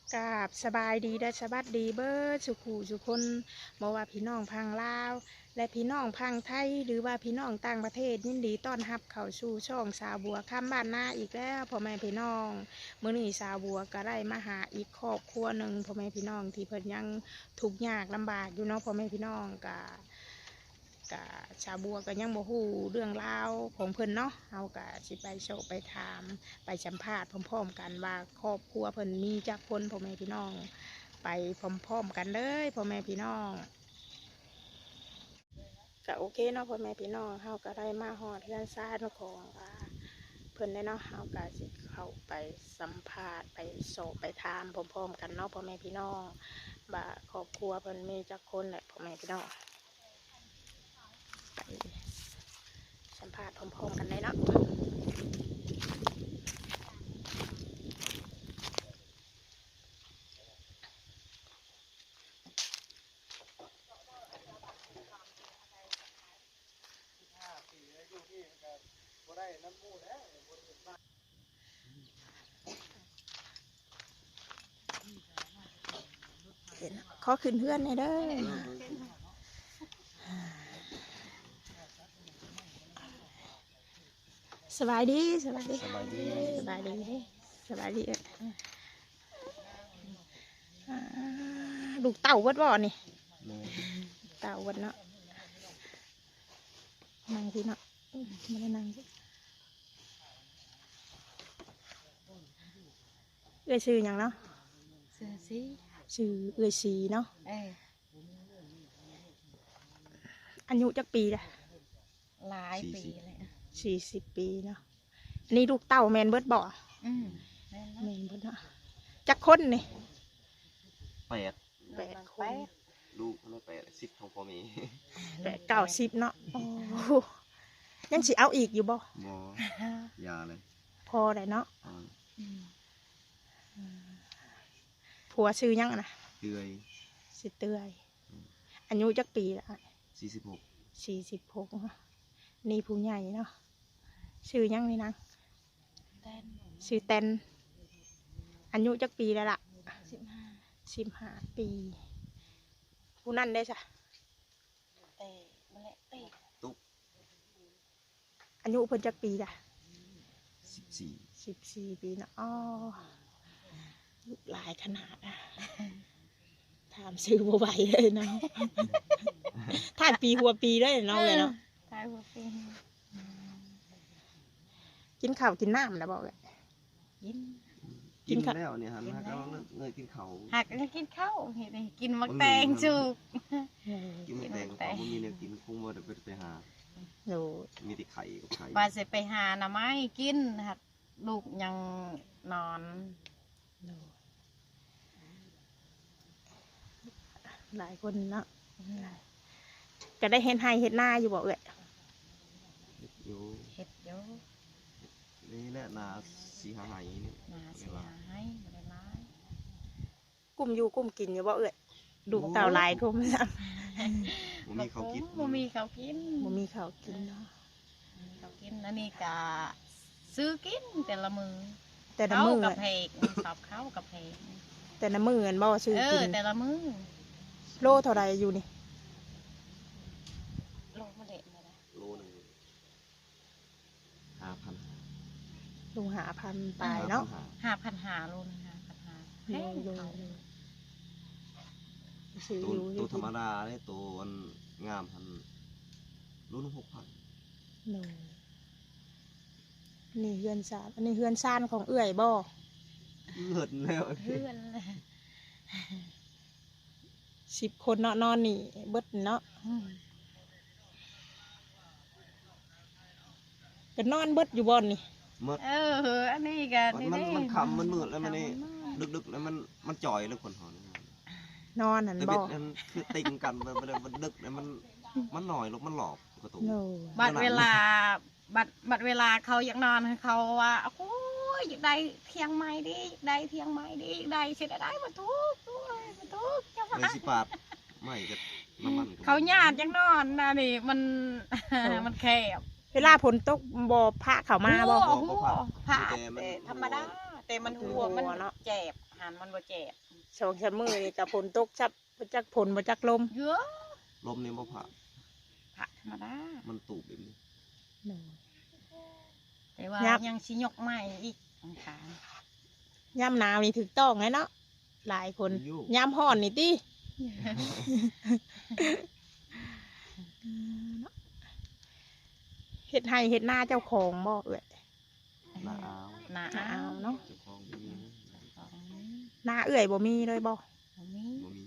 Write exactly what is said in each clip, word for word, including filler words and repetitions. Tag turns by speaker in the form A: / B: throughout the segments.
A: กราบสบายดีได้สบัดดีเบิร์สุขูสุคนบอกว่าพี่น้องพังลาวและพี่น้องพังไทยหรือว่าพี่น้องต่างประเทศยินดีต้อนรับเข้าสู่ช่องสาวบัวข้ามบ้านหน้าอีกแล้วพ่อแม่พี่น้องมื้อนี้สาวบัวก็ได้มาหาอีกครอบครัวหนึ่งพ่อแม่พี่น้องที่เพิ่นยังทุกข์ยากลำบากอยู่เนาะพ่อแม่พี่น้องกะกะชาวบัวก็ยังบ่ฮู้เรื่องราวของเพิ่นเนาะเฮากะสิไปโชว์ไปถามไปสัมภาษณ์พร้อมๆกันว่าครอบครัวเพิ่นมีจักคนพ่อแม่พี่น้องไปพร้อมๆกันเลยพ่อแม่พี่น้องก็โอเคเนาะพ่อแม่พี่น้องเฮาก็ได้มาฮอดเรือนซ่านของอ่าเพิ่นได้เนาะเฮาก็สิเข้าไปสัมภาษณ์ไปโชว์ไปถามพร้อมๆกันเนาะพ่อแม่พี่น้องว่าครอบครัวเพิ่นมีจักคนแหละพ่อแม่พี่น้องไปสัมภาษณ์พร้อมๆกันเลยเนาะเห็นขอขึ้นเพื่อนในเด้อสบายดีสบายดีสบายดีสบายดีสบายดีลูกเต่าวัดบ่อนี่เต่าวัดเนาะนั่งสิเนาะไม่ได้นั่งสิเอื้อยชื่ออย่างเนาะชื่อสีชื่อเอื้อยสีเนาะอายุจักปีละ
B: หลายปีเลย
A: สี่สิบปีเนาะอันนี้ลูกเต่าแมนเบิร์ดบ่อ
B: อืม
A: แมนเบิร์ดเนาะจักคนนี่
C: แปด
A: แปดคน
C: ลูกไม่แปดสิบของพ่อมี
A: แปดเก้าสิบเนาะยังสิเอาอีกอยู่บ่
C: บ่ยาเลย
A: พอได้เนาะผัวชื่อยังนะ
C: เตือย
A: สิเตือยอายุจักปีละ
C: สี่สิบหก
A: สี่สิบหกนี่ผู้ใหญ่เนาะชื่อยังนี่นะชื่อเต้นอายุจักปีแล้วล่ะสิบห้าสิบห้าปีผู้นั่นได้จ้ะ
B: เตะมาเละเตะ
C: ตุ๊ก
A: อายุเพิ่นจักปีจ้ะ
C: สิบสี่
A: สิบสี่ปีเนาะอ๋อหลายขนาดอ่ะถามซื้อบัวใบเลยเนาะถ่ายปีหัวปีได้เนาะเลยเนาะ
B: ถ่ายหัวปี
A: กินข้าวกินน้ำนะบอกเลย
C: กินกินแล้วเนี่ยฮะฮักก็เงยกินเขา
B: หักก็กินข้าวเห็นไหมกินมะแตงจุก
C: กินมะแตงเขาไม่มีเนี่ยกินคงว่าจะไปหามีแต่ไข่กับไข่
B: ว่าจะไปหาหน่อไม้กินหักลูกยังนอน
A: หลายคนเนาะจะได้เห็นให้เห็นหน้าอยู่บอกเลย
C: อยู่
B: เห็ดเยอะ
C: นี่แหละนาสีหายนี่
B: นาสีหายอะไรร้าย
A: กุ้มอยู่กุ้มกินอยู่บอกเลยดูเต่าลายกุ้มซ้
C: ำมีเขากิน
B: บ่มีเขากิน
A: บ่มีเขากินเนาะ
B: เขากินแล้วนี่กะซื้อกินแต่ละมือ
A: แต่ละมือ
B: กับเพกสอบเข้ากับเพก
A: แต่ละมือเงินบ่ซื้อกิน
B: แต่ละมือ
A: โลเท่าไรอยู่นี่
B: โลมาเละมาเลย
C: โลหนึ่งห้าพัน
A: ลุงหาพันตายเนาะ
B: ห้าพันหาโลนึงห้าพันหาแพง
C: ตัวตัวธรรมดาเนี่ยตัวงามพันโลนึงหกพัน
A: นี่เฮือนซานอันนี้เฮือนซานของเอื่อยบ่
C: เหินแล้ว
B: เฮือน
A: สิบคนเนาะนอนนี่เบิดเนาะก็นอนเบิดอยู่บนนี่
B: เอออันนี้กัน
C: มันมันคำมันมืดแล้วมันนี่ดึกๆแล้วมันมันจ่อยแล้วคนหอน
A: นอนหันบ่
C: มันคือติงกันมันมันดึกแล้วมันมันหน่อยแล้วมันหลอกกระตุก
B: บัดเวลาบัดบัดเวลาเขาอยากนอนเขาว่าโอ้ยอยากได้เทียงไม้ดิอยากได้เทียงไม้ดิอยากได้เสร็จได้มาทุกด้วยมาทุกจังหวะ
C: สิบบาทไม่กับน้ำมัน
B: เขาหยาดยังนอนนะนี่มันมันแคบ
A: เวลาฝนตกบ่พระเขามาบ่
B: พระธรรมดาแต่มันหัวมันเจ็บหันมันบ่เจ็บ
A: สองสามมื้อนี่ก็ฝนตกจับบ่จักฝนบ่จักลม
B: เยอะ
C: ลมนี่บ่ผ่า
B: ผักธรรมดา
C: มันตูบแบบนี้
B: แต่ว่า
A: ยับ
B: ยังชิยกใหม่อีกอังคาร
A: ยามหนาวนี่ถูกต้องเลยเนาะหลายคน
C: อยู่
A: ยามร้อนนี่ติเฮ็ดให้เฮ็ดหน้าเจ้าของบ่เอ้ย
C: หน้าอ้าว
B: หนา
A: หน้า
B: อ้า
A: เอาวเนาะ
C: เจ้าของบ่มีนะ
B: ของนี้
A: หน้าเอื้อยบ่มีเลยบ่
B: ของนี้
C: บ่มี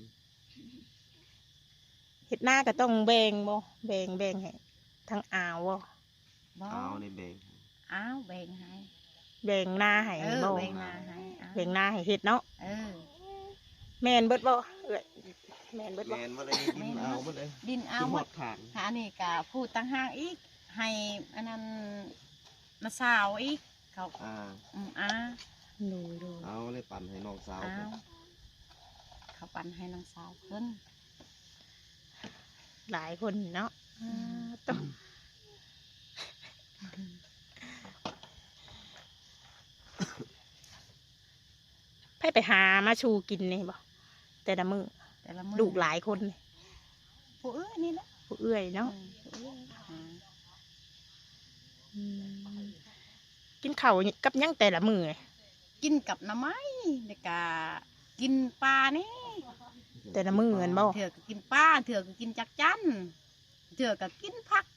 A: เฮ็ดหน้าก็ต้องแบ่งบ่แบ่งแบ่งให้ทั้งอ่าวบ่
B: บ่
C: อ้าวในแบง
B: อ้าวแบ่งให้
A: แบ่งหน้าให้
B: เออ
A: บ่
B: แบ่งนาให้อ้าว
A: แบ่งหน้าให้เฮ็ดเนาะ
B: เออ
A: แม่นเบิดบ่เอ้ยแม่นเบิดบ่
C: แม่นบ่ได้ดินเอาบ่ได้
B: ดินเอา
C: คือ
B: ห
C: ห
B: ม
C: อ
B: ด
C: ดทาง
B: หานี่ก็พูดตั้งห้างอีกให้อันนั้นมาสาวอีกเขา
C: อ่า
B: อืมอ้า
A: ดูดู
C: เอาเลยปั่นให้น้องสาว
B: อ้า
C: เพิ่น
B: วเขาปั่นให้น้องสาวขึ้น
A: หลายคนเนาะอ่าต้องไปไปหามาชูกินนี่บ่แต่ละมือ
B: แต่ละมือ
A: ลูกหลายคนนี่
B: ผู้เอ้ยนี่แหละ
A: ผู้เอื้อยเนาะ
B: อืมผู้เอ้ยหา
A: อืมกินข้าวกับหยังแต่ละมือ
B: กินกับหน้ำไม้เด็กกะกินปลานี่
A: แต่ละมือกันบ่
B: เถื่อก็กินปลาเถื่อก็กินจักจันเถื่อก็กินผัก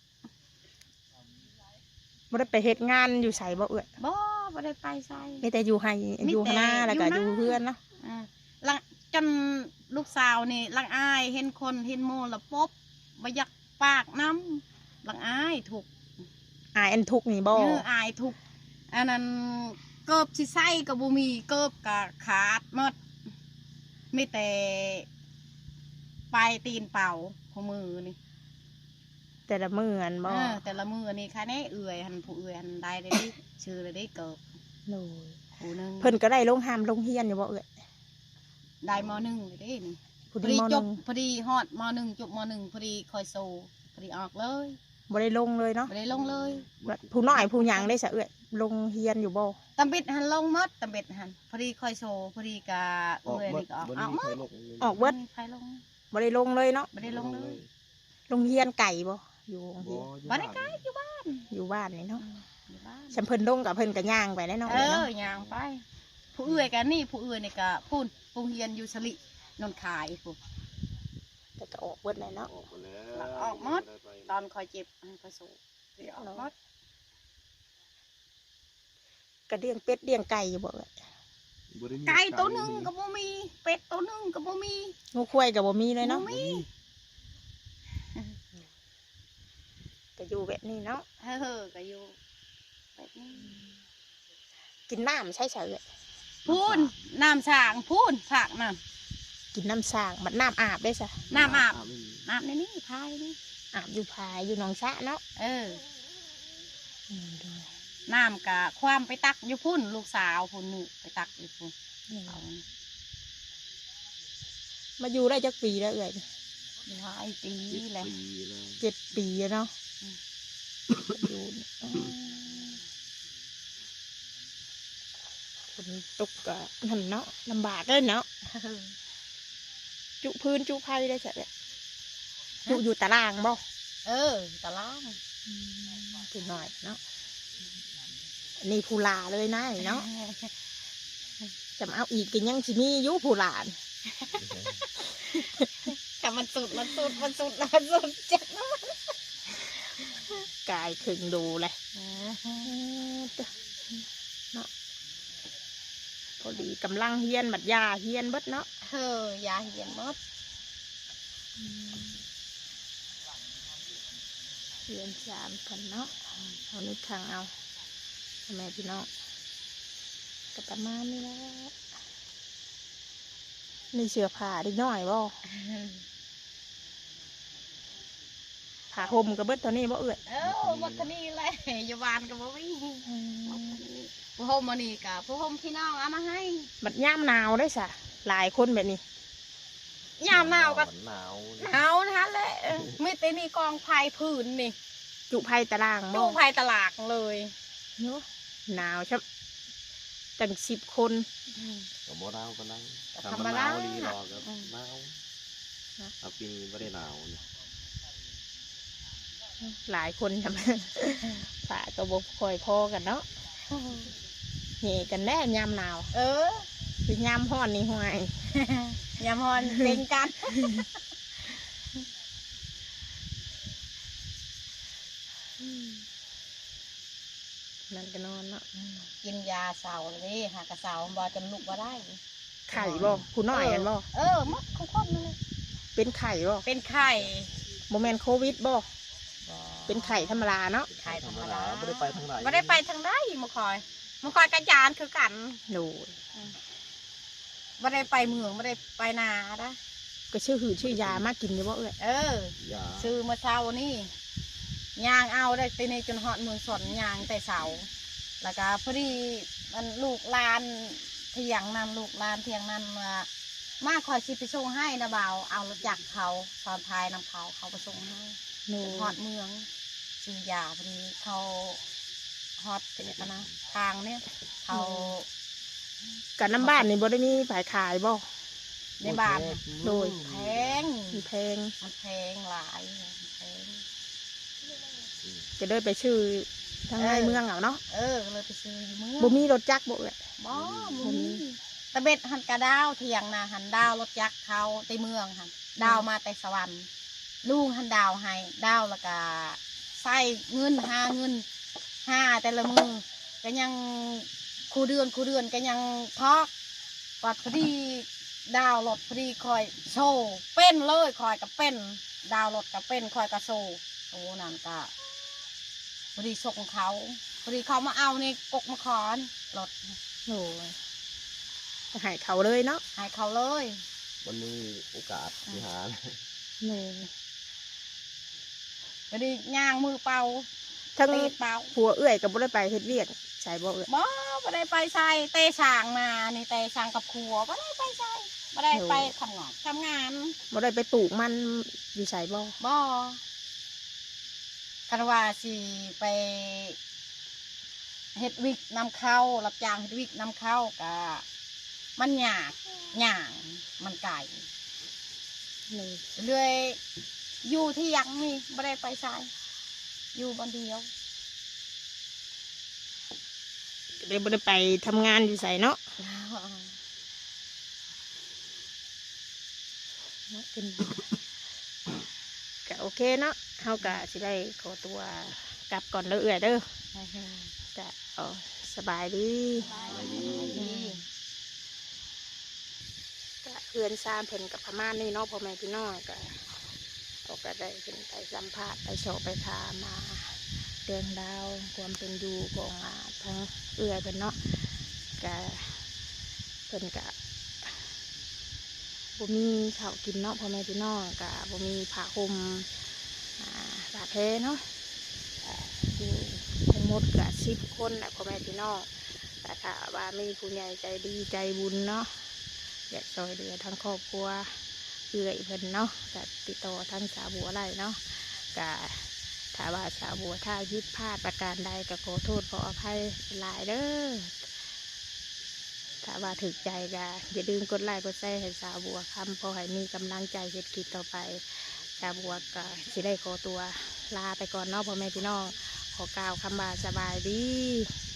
A: บ่ได้ไปเฮ็ดงานอยู่ไสบ่เอื้อย
B: บ่บ่ได้ไปใส่
A: มีแต่อยู่ให้
B: มี
A: อยู่
B: แต่
A: หน้าแล้วก็
B: อยู่
A: อยู่
B: นา
A: เพื่อนเนาะ
B: อ่าลังจนลูกสาวนี่ลังอายเห็นคนเห็นโมละปบบ่อยากปากน้ำลังอายถูก
A: อายอันทุกข์นี่บ่
B: เนื้ออายถูกอันนั้นเกิบสิไส้กับบุมีเกิบกับขาดหมดไม่แต่ปลายตีนเป่าของมือนี่
A: แต่ละมือกันบ่
B: เออแต่ละมือนี่ค่ะแน่เอื่อยหันผู้เอื่อยหันได้ได้ดิชื่อเลยได้เกิบ
A: โอ้ย
B: ผู้หนึง
A: เพิ่นก็ได้ลงหามลงเฮียนอยู่บ่เอ้ย
B: ได้มหนึ่งเลยได้นี่
A: ผู้
B: พอ
A: ดี
B: ดี
A: มห
B: จ
A: นึ่
B: บ
A: ง
B: พอดีฮอดมหนึ่งจบมหนึ่งพอดีคอยโซพอดีออกเลย
A: บ่ได้ลงเลยเนาะ
B: ไม่ได้ลงเลย
A: ผู้น้อยผู้หยังได้ซะเอ้ยลงเฮียนอยู่บ่
B: ตำบิดหันลงหมดตำบิดหันพอดีคอยโซพอดีกะ
C: ออก
B: เอื่อย
C: บ่
B: นี่ก็ออก
C: บ่
B: อ
C: ได้
B: อก
C: มี
B: หม
C: ใคร
B: ด
C: ลง
A: ออกเบิด
B: ใครลง
A: บ่ได้ลงเลยเนาะ
B: ไม่ได้ลงเลย
A: ลงเฮียนไก่บ่อยู่โรงเรี
C: บ่
A: ยน
C: อยู่
B: บ่ได้
C: บ้าน
B: ไกลอยู่บ้าน
A: อยู่บ้านนี่เนาะ
B: อยู่บ้าน
A: ฉันเพิ่นลงกับเพิ่นก็ย่างไปได้เนาะ
B: เอ
A: เอ้ยเนาะ
B: อย่างไป ผู้เอื่อยกันนี่ผู้เอื่อยนี่ก็พูนผู้เฮียนอยู่สลินนขายผู้
A: แต่ก็ออกเบิดเลยเนาะ
C: ออกมาแล้ว
B: แล้วออกหมด ตอนคอยเจ็บคอยสูบเดี๋ยวออกหมด
A: ก็เลี้ยงเป็ดเลี้ยงไก่อยู่บ่เอ้ย
C: บ่ได้มี
B: ไก่ตัวหนึ่งก็บ่มี เป็ดตัวหนึ่งก็บ่มี
A: งูควายก็บ่มีเลยเนาะ
B: บ่มี
A: ก็อยู่แบบนี้เนาะ
B: เออก็อยู่แบบนี้
A: กินน้ำใช่เฉย
B: พูนน้ำสางพูนผักน้
A: กินน้ำสร้างบัดน้ำอาบได้ซะ
B: ำน้ำอาบ
C: ไม่มี
B: น้ำในนี่พายนี่
A: อาบอยู่พายอยู่หนองสระเนาะ
B: เออ
A: อืมดู
B: น้ำกะความไปตักอยู่พุ่นลูกสาวพุ่นนี่ไปตักอยู่พุ่น
A: นี่
B: เอา
A: มาอยู่ได้จักปีแล้วเอ้ย
B: หลายปี
C: เจ็ด
B: แล้ว
C: ปีแล้ว
A: เจ็ดปีแล้วเนาะ
B: อืม
A: อยู่นี่อืมฝนตกก็นั่นเนาะลำบากเลยเนาะจุพื้นจุไผ่ได้ใช่ไหมจุอยู่ตารางบ่
B: เออตะล่าง
A: ถึงหน่อยเนาะนี่ผู้ลาเลยนะเนาะจะมาเอาอีกกินยังสิมีอยุผู้ลาน
B: แต่มันสุดมันสุดมันสุดมันสุดเจ็บนะ
A: กายขึงดูเลยเนาะพอดีกำลังเฮียนบัดยาเฮียนเบิดเนาะ
B: เออยาเหียนมด
A: เฮียนสามกันเนาะเอานึกทางเอาพ่อแม่พี่น้องก็ประมาณนี้แหละนี่เสื้อผ้าเด็กน้อยบ่ผ้าห่มกับเบิดตัวนี้บ่เอื้อย
B: เออบักนี่แหละอยู่บ้านก็บ่มีผู้โฮมมานี่กับผู้โฮมพี่น้องเอามาให้
A: บัดย่ามหนาวได้สะหลายคนแบบนี้
B: ยามหนาวก็
C: หนาว
B: หนาวนะแหละไม่แต่นี่กองไผ่พื้นนี่
A: จุไผ่ตารางบ่
B: ดูไผ่ตลาดเลย
A: เนาะหนาวชับตั้งสิบคน
C: ก็บ่หนาวปานนั้น
B: ก็
C: ถ้า
B: ธรร
C: มั
B: ม
C: นห
B: ดา
C: นาวดีรอก็
B: อืม
C: หนาวเอาปีนี้บ่ได้หนาวนี่
A: หลายคนทำ ฝ่าก็บคอยพอกันเนาะเหนี่กันแน่ยามหนาว
B: เออ
A: คือยามห้อนนี่ห่วย
B: อย่ามอนเป็นกัน
A: นั่นก็นอนเนาะ
B: กินยาเสาเลยดิหากระเสาบอจนลุกมาได้
A: ไข่บ่ผู้น้อยกันบ่
B: เออมัดของคนนั่นเลย
A: เป็นไข่บ่
B: เป็นไข่
A: โมเมนโควิดบ่เป็นไข่ธรรมดาเนาะ
B: ไข่ธรรมดา
C: บ่ได้ไปทางไหน
B: ไม่ได้ไปทางใดมาคอยมาคอยกระยานคือกัน
A: โอ้ย
B: ไม่ได้ไปเมืองไม่ได้ไปนานะ
A: ก็ชื่อหือชื่อยามากินอยู่บ่เอ้ย
B: เออ
C: อย่า
B: ซื้อมาเช้านี่ยางเอาได้ตีในจนหอดเมืองสนยางแต่เสาแล้วก็พอดีมันลูกลานเทียงนั่นลูกลานเทียงนั่นมามาคอยชิไปส่งให้นะบ่าวเอารถจักรเขาตอนทายนำเขาเขาไปส่งให้
A: โอ้
B: จนหอดเมืองซื้อยาพอดีเขาฮอตเป็นกันนะทางเนี่ยเขา
A: กันน้ำบ้านนี่บ่ได้มีขายขายบ่
B: ในบ้าน
A: โดย
B: แพง
A: มีแพง
B: มันแพงหลายมันแพง
A: จะได้ไปชื่อทางในเมืองเอาเนาะ
B: เออเลยไปซื้ออยู่เมือง
A: บ่มีรถจักรบ่เอ้ย
B: บ่
A: บ่
B: บ่
A: มี
B: มีตะเบ็ดหันกระดาวเทียงนะหันดาวรถยักษ์เขาในเมืองหันดาวมาแต่สวรรค์ลุงหันดาวให้ดาวแล้วก็ใส่เงินห้าเงินห้าแต่ละมือก็ยังคูเดือนคูเดือนก็ยังทอกปัดพอดีดาวรถพอดีคอยโชว์เป็นเลยคอยกับเป็นดาวรถกับเป็นคอยกับโชว์โอ้นั่นก็พอดีส่งเขาพอดีเขามาเอาในกกมะขอนรถ
A: โอ้ยก็ให้เขาเลยเนาะ
B: ให้เขาเลย
C: มันมีโอกาสสิหา
A: โอ้
B: พอดีย่างมือเป่า
A: ทั้ง
B: ตีเป่า
A: ผัวเอื้อยก็บ่ได้ไปเฮ็ดเวียกใส่บ่เอื้อย
B: บ่ไม่ได้ไปใส่เตะช่างมานี่เตะช่างกับครัวไม่ได้ไปใส่ไม่ได้ไปทำงานทำงาน
A: บ่ได้ไปปลูกมันอยู่ใส่บ่
B: บ่กันว่าสิไปเฮ็ดวิกนำเข้ารับจ้างเฮ็ดวิกนำเข้ากะมันยากย่างมันไก่
A: โอ้ย
B: เรื่อยอยู่ที่ยังนี่ไม่ได้ไปใส่อยู่บนเดียว
A: ก็เลยบ่ได้ไปทำงานอยู่ใส่เนาะเป็นก็โอเคเนาะเฮาก็สิได้ขอตัวกลับก่อนเด้อเอื้อยเด้อก็เอาสบายดี
C: อะไรดี
A: ก็เอื้อนซามเพิ่นกับพม่านี่เนาะพ่อแม่พี่น้องก็เขาก็ได้เพิ่นไปสัมภาษณ์ไปโชว์ไปถามมาเรื่องราวความเป็นอยู่ของอ่าทั้งเอื้อยเพิ่นเนาะก็เพิ่นก็บ่มีข้าวกินเนาะพ่อแม่พี่น้องก็บ่มีผ้าห่มอ่าผ้าแพรเนาะอ่าอยู่ทั้งหมดก็สิบคนแหละพ่อแม่พี่น้องแต่ถ้าว่ามีผู้ใหญ่ใจดีใจบุญเนาะอยากช่วยเหลือทั้งครอบครัวเอื้อยเพิ่นเนาะก็ติดต่อทั้งสาวบัวไร่เนาะก็ถ้าว่าสาวบัวถ้าผิดพลาดประการใดก็ขอโทษขออภัยหลายเด้อถ้าว่าถึกใจก็อย่าลืมกดไลค์กดแชร์ให้สาวบัวคำพอให้มีกำลังใจเฮ็ดคลิปต่อไปสาวบัวก็สิได้ขอตัวลาไปก่อนเนาะพ่อแม่พี่น้องขอกล่าวคำว่าสบายดี